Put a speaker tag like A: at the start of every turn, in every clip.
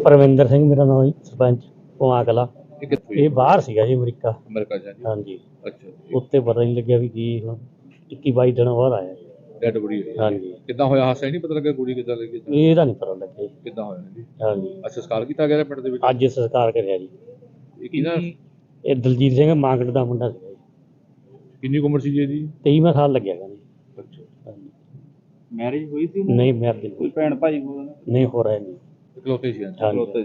A: ਪਰਵਿੰਦਰ ਸਿੰਘ ਮੇਰਾ ਨਾਮ ਜੀ, ਸਰਪੰਚ ਪੁਆ ਕਲਾਂ।
B: ਇਹ ਕਿੱਥੋਂ
A: ਇਹ ਬਾਹਰ ਸੀਗਾ ਜੀ, ਅਮਰੀਕਾ।
B: ਅਮਰੀਕਾ ਜਾ ਜੀ?
A: ਹਾਂਜੀ,
B: ਅੱਛਾ ਜੀ।
A: ਉੱਤੇ ਪਤਾ ਨਹੀਂ ਲੱਗਿਆ ਵੀ ਕੀ ਹੁਣ 21-22 ਦਿਨ ਬਾਅਦ ਆਇਆ ਜੀ।
B: ਡੈਡ ਬੋਡੀ ਹੋਈ?
A: ਹਾਂਜੀ।
B: ਕਿੱਦਾਂ ਹੋਇਆ ਹਾਦਸਾ? ਨਹੀਂ ਪਤਾ ਲੱਗਾ ਕੁੜੀ ਕਿੱਦਾਂ ਲੱਗੀ?
A: ਇਹਦਾ ਨਹੀਂ ਪਤਾ ਲੱਗਿਆ ਜੀ
B: ਕਿੱਦਾਂ ਹੋਇਆ ਜੀ?
A: ਹਾਂਜੀ।
B: ਅੱਛਾ, ਸੰਸਕਾਰ ਕੀਤਾ ਗਿਆ ਪਿੰਡ ਦੇ ਵਿੱਚ?
A: ਅੱਜ ਸੰਸਕਾਰ ਕਰਿਆ ਜੀ।
B: ਇਹ ਕਿਹਦਾ?
A: ਇਹ ਦਲਜੀਤ ਸਿੰਘ ਮਾਂਗੜ ਦਾ ਮੁੰਡਾ ਸੀਗਾ ਜੀ।
B: ਕਿੰਨੀ ਕੁ ਉਮਰ ਸੀ ਜੀ ਇਹਦੀ?
A: 23ਵਾਂ ਸਾਲ ਲੱਗਿਆ ਗਾ ਜੀ।
B: ਅੱਛਾ।
A: ਹਾਂਜੀ।
C: ਮੈਰਿਜ ਹੋਈ ਸੀ?
A: ਨਹੀਂ ਮੈਰਿਜ
C: ਕੋਈ ਭੈਣ ਭਾਈ
A: ਨਹੀਂ ਹੋ ਰਿਹਾ ਜੀ।
B: ਇਕਲੌਤੇ ਸੀ?
A: ਹਾਂਜੀ।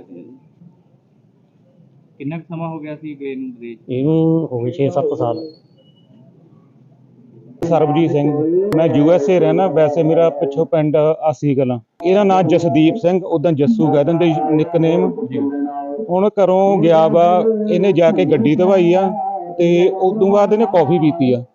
C: ਕਿੰਨਾ ਕੁ ਸਮਾਂ ਹੋ ਗਿਆ ਸੀ ਗਏ ਨੂੰ ਵਿਦੇਸ਼?
A: ਇਹਨੂੰ ਹੋ ਗਏ 6-7 ਸਾਲ।
D: ਸਰਬਜੀਤ ਸਿੰਘ, ਮੈਂ USA ਰਹਿਣਾ। ਵੈਸੇ ਮੇਰਾ ਪਿੱਛੋਂ ਪਿੰਡ ਆਸੀ ਕਲਾਂ। ਇਹਦਾ ਨਾਮ ਜਸਦੀਪ ਸਿੰਘ, ਉਦਾਂ ਜੱਸੂ ਕਹਿ ਦਿੰਦੇ ਨਿਕਨੇਮ। ਹੁਣ ਘਰੋਂ ਗਿਆ ਵਾ, ਇਹਨੇ ਜਾ ਕੇ ਗੱਡੀ ਧਵਾਈ ਆ ਤੇ ਉਦੋਂ ਬਾਅਦ ਇਹਨੇ ਕੌਫੀ ਪੀਤੀ ਆ।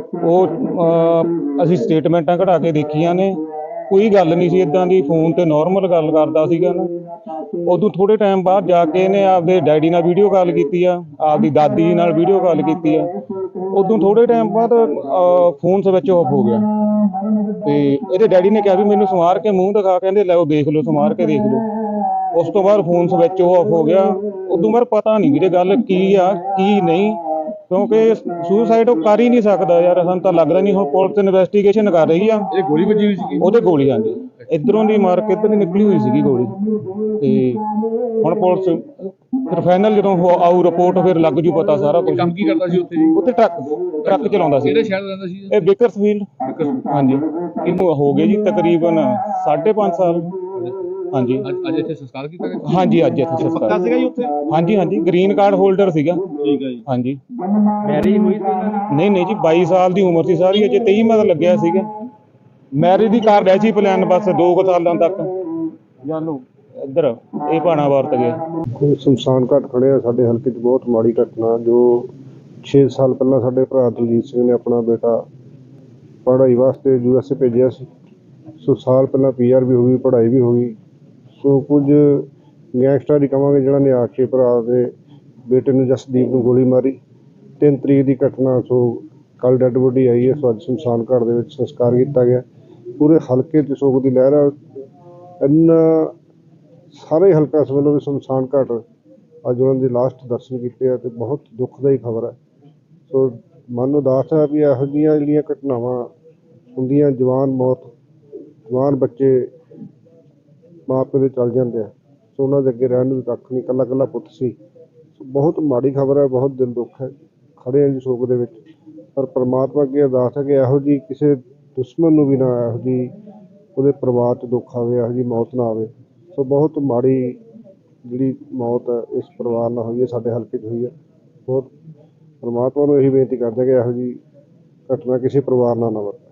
D: ਉਹ ਅਸੀਂ ਸਟੇਟਮੈਂਟਾਂ ਕਢਾ ਕੇ ਦੇਖੀਆਂ ਨੇ, ਕੋਈ ਗੱਲ ਨਹੀਂ ਸੀ ਇਦਾਂ ਦੀ। ਫੋਨ ਤੇ ਨਾਰਮਲ ਗੱਲ ਕਰਦਾ ਸੀਗਾ ਨਾ। ਉਦੋਂ ਥੋੜੇ ਟਾਈਮ ਬਾਅਦ ਜਾ ਕੇ ਇਹਨੇ ਆਪਦੇ ਡੈਡੀ ਨਾਲ ਵੀਡੀਓ ਕਾਲ ਕੀਤੀ ਆ, ਆਪਦੀ ਦਾਦੀ ਨਾਲ ਵੀਡੀਓ ਕਾਲ ਕੀਤੀ ਆ। ਉਦੋਂ ਥੋੜੇ ਟਾਈਮ ਬਾਅਦ ਫੋਨ ਸਵਿਚ ਆਫ ਹੋ ਗਿਆ ਤੇ ਇਹਦੇ ਡੈਡੀ ਨੇ ਕਿਹਾ ਵੀ ਮੈਨੂੰ ਸਮਾਰ ਕੇ ਮੂੰਹ ਦਿਖਾ, ਕਹਿੰਦੇ ਲੈ ਉਹ ਦੇਖ ਲਓ, ਸਮਾਰ ਕੇ ਦੇਖ ਲਓ। ਉਸ ਤੋਂ ਬਾਅਦ ਫੋਨ ਸਵਿਚ ਆਫ ਹੋ ਗਿਆ। ਉਦੋਂ ਬਾਅਦ ਪਤਾ ਨਹੀਂ ਵੀਰੇ ਗੱਲ ਕੀ ਆ ਕੀ ਨਹੀਂ, ਕਿਉਂਕਿ ਸੁਸਾਈਡ ਉਹ ਕਰ ਹੀ ਨਹੀਂ ਸਕਦਾ ਯਾਰ, ਸਾਨੂੰ ਤਾਂ ਲੱਗਦਾ ਨਹੀਂ। ਹੁਣ ਪੁਲਿਸ ਇਨਵੈਸਟੀਗੇਸ਼ਨ ਕਰ ਰਹੀ ਆ।
B: ਇਹ ਗੋਲੀ ਵੱਜੀ ਹੋਈ ਸੀ?
D: ਉਹਦੇ ਗੋਲੀ ਆਂਦੀ ਇੱਧਰੋਂ ਦੀ ਮਾਰ ਕੇ ਇੱਧਰ ਦੀ ਨਿਕਲੀ ਹੋਈ ਸੀਗੀ ਗੋਲੀ। ਤੇ ਹੁਣ ਪੁਲਿਸ ਫਿਰ ਫਾਈਨਲ ਜਦੋਂ ਆਊ ਰਿਪੋਰਟ ਫਿਰ ਲੱਗ ਜੂ ਪਤਾ ਸਾਰਾ ਕੁਝ।
B: ਕੰਮ ਕੀ ਕਰਦਾ ਸੀ ਉੱਥੇ ਜੀ?
D: ਉੱਥੇ ਟਰੱਕ ਚਲਾਉਂਦਾ ਸੀ।
B: ਕਿਹੜੇ ਸ਼ਹਿਰ ਰਹਿੰਦਾ ਸੀ
D: ਇਹ ਬੇਕਰਸਫੀਲਡ। ਹਾਂਜੀ। ਇਹਨੂੰ ਹੋ ਗਏ ਜੀ ਤਕਰੀਬਨ 5.5 ਸਾਲ। ਹਾਂਜੀ।
B: ਅੱਜ ਇੱਥੇ ਸੰਸਕਾਰ ਕੀਤਾ ਗਿਆ?
D: ਹਾਂਜੀ, ਅੱਜ ਇੱਥੇ ਸੰਸਕਾਰ
C: ਸੀਗਾ ਜੀ ਉੱਥੇ?
D: ਹਾਂਜੀ ਹਾਂਜੀ, ਗ੍ਰੀਨ ਕਾਰਡ ਹੋਲਡਰ ਸੀਗਾ।
C: ਠੀਕ ਹੈ ਜੀ।
D: ਹਾਂਜੀ।
C: ਮੈਰਿਜ ਹੋਈ ਸੀ?
D: ਨਹੀਂ ਜੀ, 22 ਸਾਲ ਦੀ ਉਮਰ ਸੀ ਸਾਰੀ, ਅਜੇ 23ਵਾਂ ਦਾ ਲੱਗਿਆ ਸੀਗਾ। ਮੈਰਿਜ ਦੀ ਕਰ ਰਿਹਾ ਸੀ ਪਲਾਨ, ਬਸ 2 ਸਾਲਾਂ ਤੱਕ। ਜਾਨੂ ਇੱਧਰ ਇਹ ਭਾਣਾ ਵਰਤ ਗਏ।
E: ਸ਼ਮਸ਼ਾਨ ਘਾਟ ਖੜੇ ਆ ਸਾਡੇ ਹਲਕੇ 'ਚ। ਬਹੁਤ ਮਾੜੀ ਘਟਨਾ ਜੋ 6 ਸਾਲ ਪਹਿਲਾਂ ਸਾਡੇ ਭਰਾ ਦਲਜੀਤ ਸਿੰਘ ਨੇ ਆਪਣਾ ਬੇਟਾ ਪੜ੍ਹਾਈ ਵਾਸਤੇ USA ਭੇਜਿਆ ਸੀ। ਸੋ ਸਾਲ ਪਹਿਲਾਂ PR ਵੀ ਹੋ ਗਈ, ਪੜ੍ਹਾਈ ਵੀ ਹੋ ਗਈ। ਸੋ ਕੁਝ ਗੈਂਗਸਟਰ ਹੀ ਕਹਾਂਗੇ ਜਿਹੜਾ ਨੇ ਆ ਕੇ ਭਰਾ ਦੇ ਬੇਟੇ ਨੂੰ ਜਸਦੀਪ ਨੂੰ ਗੋਲੀ ਮਾਰੀ। 3 ਤਰੀਕ ਦੀ ਘਟਨਾ। ਸੋ ਕੱਲ੍ਹ ਡੈੱਡ ਬੋਡੀ ਆਈ ਹੈ। ਸੋ ਅੱਜ ਸ਼ਮਸ਼ਾਨ ਘਾਟ ਦੇ ਵਿੱਚ ਸੰਸਕਾਰ ਕੀਤਾ ਗਿਆ। ਪੂਰੇ ਹਲਕੇ 'ਚ ਸੋਗ ਦੀ ਲਹਿਰ ਆ। ਇੰਨਾ ਸਾਰੇ ਹਲਕਾ ਇਸ ਵੱਲੋਂ ਵੀ ਸ਼ਮਸ਼ਾਨ ਘਾਟ ਅੱਜ ਉਹਨਾਂ ਦੇ ਲਾਸਟ ਦਰਸ਼ਨ ਕੀਤੇ ਆ ਤੇ ਬਹੁਤ ਦੁੱਖਦਾਈ ਖਬਰ ਹੈ। ਸੋ ਮਨ ਉਦਾਸ ਹੈ ਵੀ ਇਹੋ ਜਿਹੀਆਂ ਜਿਹੜੀਆਂ ਘਟਨਾਵਾਂ ਹੁੰਦੀਆਂ, ਜਵਾਨ ਮੌਤ, ਜਵਾਨ ਬੱਚੇ ਮਾਂ ਪਿਓ ਦੇ ਚਲ ਜਾਂਦੇ ਆ। ਸੋ ਉਹਨਾਂ ਦੇ ਅੱਗੇ ਰਹਿਣ ਨੂੰ ਵੀ ਕੱਖ ਨਹੀਂ, ਇਕੱਲਾ ਇਕੱਲਾ ਪੁੱਤ ਸੀ। ਸੋ ਬਹੁਤ ਮਾੜੀ ਖਬਰ ਹੈ, ਬਹੁਤ ਦਿਲ ਦੁੱਖ ਹੈ। ਖੜੇ ਹਾਂ ਜੀ ਸੋਗ ਦੇ ਵਿੱਚ, ਪਰ ਪਰਮਾਤਮਾ ਅੱਗੇ ਅਰਦਾਸ ਹੈ ਕਿ ਇਹੋ ਜਿਹੀ ਕਿਸੇ ਦੁਸ਼ਮਣ ਨੂੰ ਵੀ ਨਾ ਇਹੋ ਜਿਹੀ ਉਹਦੇ ਪਰਿਵਾਰ 'ਚ ਦੁੱਖ ਆਵੇ, ਇਹੋ ਜਿਹੀ ਮੌਤ ਨਾ ਆਵੇ। ਸੋ ਬਹੁਤ ਮਾੜੀ ਜਿਹੜੀ ਮੌਤ ਹੈ ਇਸ ਪਰਿਵਾਰ ਨਾਲ ਹੋਈ ਹੈ, ਸਾਡੇ ਹਲਕੇ 'ਚ ਹੋਈ ਹੈ। ਬਹੁਤ ਪਰਮਾਤਮਾ ਨੂੰ ਇਹੀ ਬੇਨਤੀ ਕਰਦੇ ਕਿ ਇਹੋ ਜਿਹੀ ਘਟਨਾ ਕਿਸੇ ਪਰਿਵਾਰ ਨਾਲ ਨਾ ਵਾਪਰੇ।